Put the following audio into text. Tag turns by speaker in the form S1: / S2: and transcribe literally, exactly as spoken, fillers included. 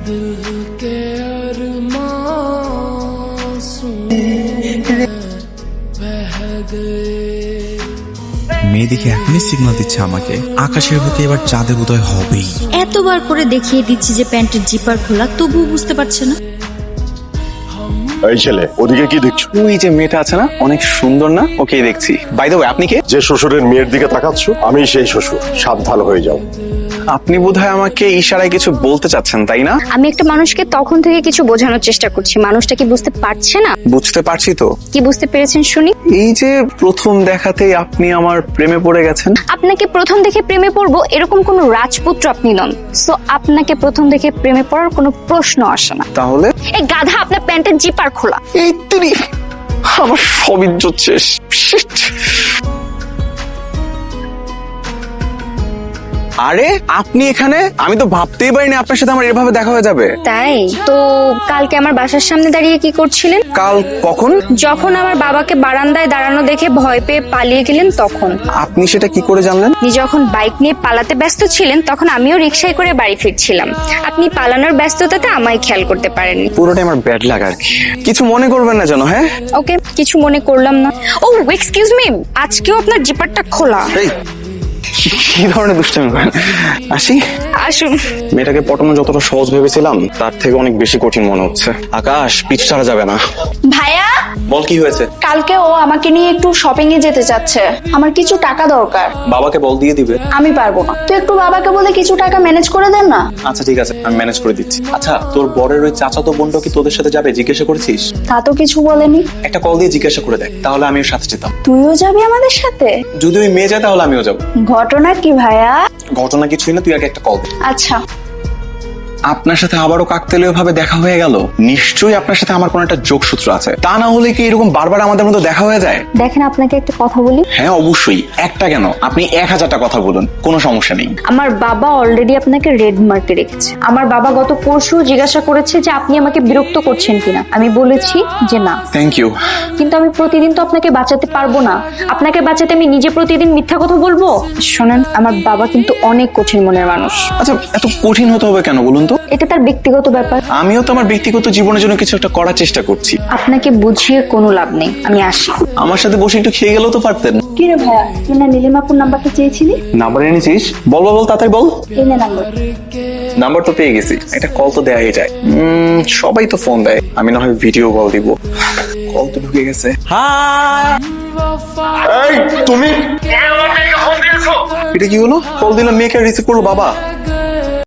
S1: মেয়ে দেখে এখনই সিগন্যাল দিচ্ছে আমাকে, আকাশের বুকে এবার চাঁদের উদয় হবেই।
S2: এতবার করে দেখিয়ে দিচ্ছি যে প্যান্টের জিপার খোলা, তবুও বুঝতে পারছে না।
S3: এই ছেলে, ওদিকে কি দেখছো?
S4: ওই যে মেয়েটা আছে না, অনেক সুন্দর না? ওকেই দেখছি। বাই দ্য ওয়ে, আপনি কে?
S3: যে শ্বশুরের মেয়ের দিকে তাকাচ্ছ, আমি সেই শ্বশুর। সাবধান হয়ে যাও।
S4: আপনি বোধহয় আমাকে ইশারায় কিছু বলতে চাচ্ছেন, তাই না?
S5: আমি একটা মানুষকে তখন থেকে কিছু বোঝানোর চেষ্টা করছি, মানুষটা কি বুঝতে পারছে না?
S4: বুঝতে পারছি তো।
S5: কি বুঝতে পেরেছেন শুনি?
S4: এই যে প্রথম দেখাতেই আপনি আমার প্রেমে পড়ে গেছেন।
S5: আপনাকে প্রথম দেখে প্রেমে পড়বো এরকম কোনো রাজপুত্র আপনি নন, সো আপনাকে প্রথম দেখে প্রেমে পড়ার কোনো প্রশ্ন আসে না।
S4: তাহলে
S5: এই গাধা, আপনার প্যান্টের জিপার খোলা।
S4: এই তুই, আমার সব ইজ্জত শেষ। Shit! আরে আপনি এখানে? আমি তো ভাবতেই পারিনি আপনার সাথে আমার এভাবে দেখা হয়ে যাবে।
S5: তাই তো কালকে আমার বাসার সামনে দাঁড়িয়ে কি করছিলেন?
S4: কাল কখন?
S5: যখন আমার বাবাকে বারান্দায় দাঁড়ানো দেখে ভয় পেয়ে পালিয়ে গেলেন তখন।
S4: আপনি সেটা কি করে জানলেন?
S5: আপনি যখন বাইক নিয়ে পালাতে ব্যস্ত ছিলেন তখন আমিও রিকশায় করে বাড়ি ফিরছিলাম। আপনি পালানোর ব্যস্ততাতে আমায় খেয়াল করতে পারেননি।
S4: পুরোটাই আমার ব্যাড লাগ আর কি। কিছু মনে করবেন না যেন। হ্যাঁ
S5: ওকে, কিছু মনে করলাম না। ও এক্সকিউজ মি, আজকেও আপনার জিপারটা খোলা।
S4: এই কি ধরনের দুষ্টামি করেন? আসি।
S5: আসুন।
S4: মেয়েটাকে পটানো যতটা সহজ ভেবেছিলাম তার থেকে অনেক বেশি কঠিন মনে হচ্ছে। আকাশ, পিছু ছাড়া যাবে না।
S6: ভাইয়া,
S4: বল কি হয়েছে?
S6: কালকে ও আমাকে নিয়ে একটু শপিং এ যেতে চাচ্ছে, আমার কিছু টাকা দরকার।
S4: বাবাকে বল দিয়ে দিবে।
S6: আমি পারবো না, তুই একটু বাবাকে বলে কিছু টাকা ম্যানেজ করে দেন না।
S4: আচ্ছা ঠিক আছে, আমি ম্যানেজ করে দিচ্ছি। আচ্ছা, তোর বরের ওই চাচাতো বোনটা কি তোদের সাথে যাবে জিজ্ঞাসা করেছিস?
S6: তা তো কিছু বলেনি।
S4: একটা কল দিয়ে জিজ্ঞাসা করে দেখ, তাহলে আমি ওর সাথে যেতাম।
S6: তুইও যাবি আমাদের সাথে?
S4: যদি ওই মেয়ে যায় তাহলে আমিও যাবো।
S6: ঘটনা কি ভাইয়া?
S4: ঘটনা কিছুই না, তুই আগে একটা কল দে।
S6: আচ্ছা।
S4: আপনার সাথে আবারও কাকতালীয় ভাবে দেখা হয়ে গেল। নিশ্চয়ই আপনার সাথে আমার কোনো একটা যোগসূত্র আছে, তা না হলে কি এরকম বারবার আমাদের মধ্যে দেখা হয়ে যায়?
S5: দেখেন, আপনাকে একটা কথা বলি।
S4: হ্যাঁ অবশ্যই, একটা কেন, আপনি এক হাজারটা কথা বলুন, কোনো সমস্যা নেই।
S5: আমার বাবা অলরেডি আপনাকে রেড মার্কে রেখেছে। আমার বাবা গত পরশু জিজ্ঞাসা করেছে যে আপনি আমাকে বিরক্ত করছেন কিনা। আমি বলেছি যে না।
S4: Thank you.
S5: কিন্তু আমি প্রতিদিন তো আপনাকে বাঁচাতে পারবো না। আপনাকে বাঁচাতে আমি নিজে প্রতিদিন মিথ্যা কথা বলবো? শোনেন, আমার বাবা কিন্তু অনেক কঠিন মনের মানুষ।
S4: আচ্ছা, এত কঠিন হতে হবে কেন বলুন তো?
S5: এটা তার ব্যক্তিগত ব্যাপার।
S4: আমিও তো আমার ব্যক্তিগত জীবনের জন্য কিছু একটা করার চেষ্টা করছি।
S5: আপনাকে বুঝিয়ে কোনো লাভ নেই, আমি আসি।
S4: আমার সাথে বসে একটু খেয়ে গেলেও তো পারতেন।
S6: কি রে ভাইয়া, তুই না নীলিমাপুর নাম্বারটা চেয়েছিলি?
S4: নাম্বার এনেছিস? বল বল, তাড়াতাড়ি বল।
S6: এই নে নাম্বার।
S4: নাম্বার তো পেয়ে গেছি, একটা কল তো দেয়াই যায়। উম, সবাই তো ফোন দেয়, আমি না হয় ভিডিও কল দিব। কল তো ঢুকে গেছে।
S3: এই তুমি,
S4: এটা কি হলো? কল দিলাম, মেয়েকে রিসিভ করলো বাবা।